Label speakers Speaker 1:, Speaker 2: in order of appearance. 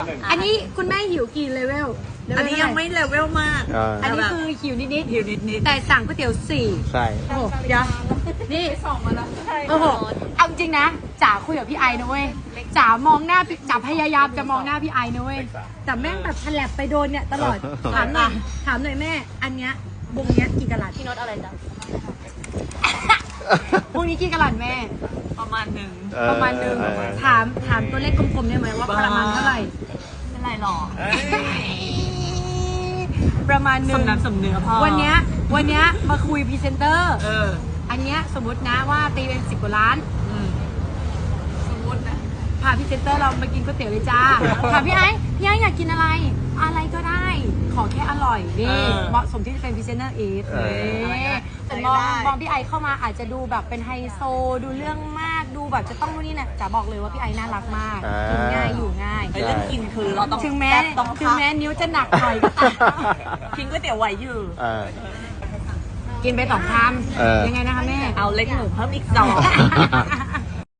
Speaker 1: อันนี้คุณแม่หิวกี่เลเวล
Speaker 2: อันนี้ยังไม่เลเวลมาก
Speaker 1: อันนี้คือหิวนิด
Speaker 2: หิวนิด
Speaker 1: ๆแต่สั่งก๋วยเตี๋ยว4
Speaker 3: ใช่
Speaker 1: โอ้โหเดี๋ยวนี่2มาแล้วโอ้โหเอาจริงนะจ๋าคุยกับพี่ไอนะเว้ยจ๋ามองหน้าจ๋าพยายามจะมองหน้าพี่ไอนะเว้ยแต่แม่งแบบฉลับไปโดนเนี่ยตลอดถามหน่อยแม่อันเนี้ยวงเนี้ยกี่กะลัด
Speaker 4: พี่โน้ตอะไรจ๊ะ
Speaker 1: วงนี้กี่กะลัดแม่
Speaker 2: ประมาณหนึ่ง
Speaker 1: ประมาณนึงถามตัวเลขกลมๆได้ไหมว่าประมาณเท่าไหร่
Speaker 4: เป็นไรหรอ
Speaker 1: ประมาณนึง
Speaker 2: สำนักสำเนื้อพ่อ
Speaker 1: วันเนี้ยมาคุยพรีเซนเตอร์
Speaker 2: อ
Speaker 1: อันเนี้ยสมมตินะว่าตีเป็น10 กว่าล้าน สมมตินะพาพรีเซนเตอร์เรามากินก๋วยเตี๋ยวเลยจ้า ถามพี่ไอ้อยากกินอะไร อะไรก็ได้ ขอแค่อร่อยนี่เหมาะสมที่จะเป็นพรีเซนเตอร์อีฟแต่มองพี่ไอเข้ามาอาจจะดูแบบเป็นไฮโซดูเรื่องมากดูแบบจะต้องนู่นนี่นะจ๋าบอกเลยว่าพี่ไอน่ารักมากกินง่ายอยู่ง่าย
Speaker 2: ไอเรื่องกินคือเราต้อง
Speaker 1: ถึงแม้
Speaker 2: ต้อง
Speaker 1: นิ้วจะหนักหน่อยก็ตาม
Speaker 2: กินก๋วยเตี๋ยวไหวอยู่
Speaker 1: กินไป2 คำยังไงนะคะแม่
Speaker 2: เอาเล็กหมูเพิ่มอีก2